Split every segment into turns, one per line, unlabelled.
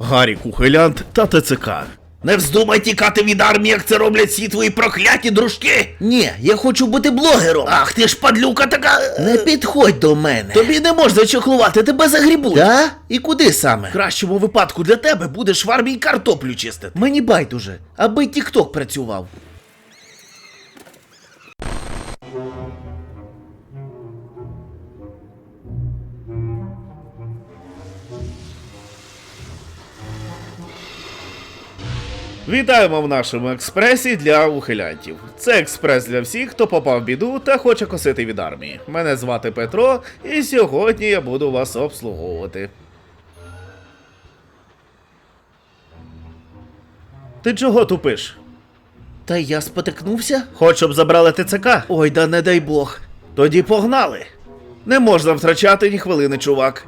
Гарік ухилянт та ТЦК.
Не вздумай тікати від армії, як це роблять всі твої прокляті дружки.
Ні, я хочу бути блогером.
Ах, ти ж падлюка така.
Не підходь до мене.
Тобі не можна чохлувати, тебе загрібуть.
Да? І куди саме?
В кращому випадку для тебе будеш в армії картоплю чистити.
Мені байдуже, аби тік-ток працював.
Вітаємо в нашому експресі для ухилянтів. Це експрес для всіх, хто попав в біду та хоче косити від армії. Мене звати Петро, і сьогодні я буду вас обслуговувати. Ти чого тупиш?
Та я спотикнувся?
Хоч щоб забрали ТЦК?
Ой, да не дай Бог.
Тоді погнали. Не можна втрачати ні хвилини, чувак.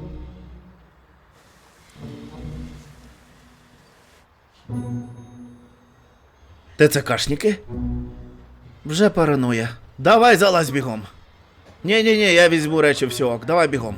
ТЦКшники?
Вже параноя.
Давай залазь бігом. Ні-ні-ні, я візьму речі, все, ок, давай бігом.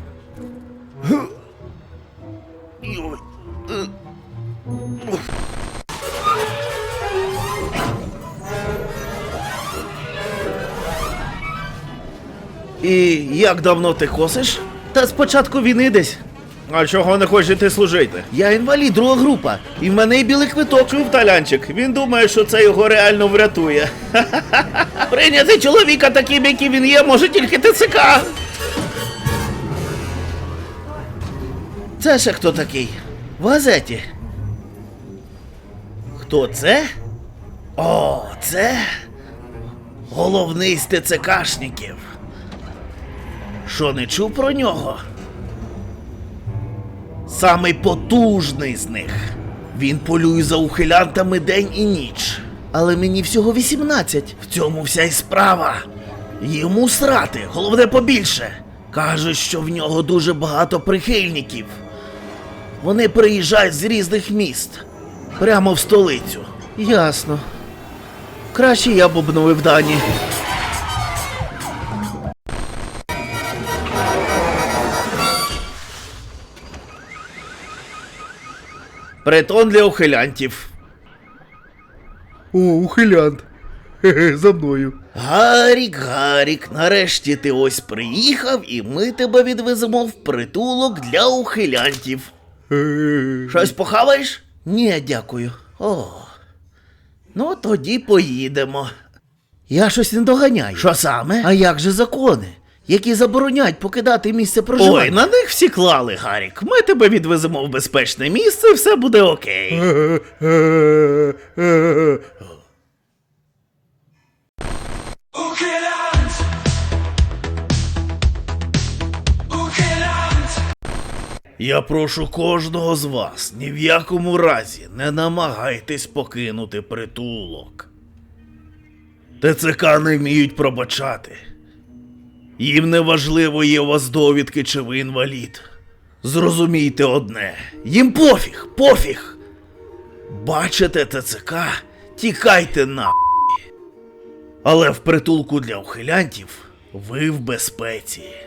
І як давно ти косиш?
Та спочатку війни десь.
А чого не хочеш йти служити?
Я інвалід, друга група. І в мене і білий квиток.
Чув талянчик, він думає, що це його реально врятує.
Прийняти чоловіка таким, який він є, може тільки ТЦК.
Це ще хто такий? В газеті.
Хто це? О, це головний з ТЦКшників. Що, не чув про нього? Самий потужний з них. Він полює за ухилянтами день і ніч.
Але мені всього 18.
В цьому вся й справа. Йому срати, головне побільше. Кажуть, що в нього дуже багато прихильників. Вони приїжджають з різних міст. Прямо в столицю.
Ясно. Краще я б обновив дані.
Притон для ухилянтів.
О, ухилянт. Хе-хе, за мною.
Гарік, нарешті ти ось приїхав, і ми тебе відвеземо в притулок для ухилянтів. Щось похаваєш?
Ні, дякую.
О, ну тоді поїдемо.
Я щось не доганяю.
Що саме?
А як же закони, які заборонять покидати місце проживання?
Ой, на них всі клали, Гарік. Ми тебе відвеземо в безпечне місце, все буде окей. Я прошу кожного з вас, ні в якому разі не намагайтесь покинути притулок. ТЦК не вміють пробачати. Їм не важливо, є у вас довідки чи ви інвалід. Зрозумійте одне, їм пофіг. Бачите ТЦК, тікайте нахуй. Але в притулку для ухилянтів ви в безпеці.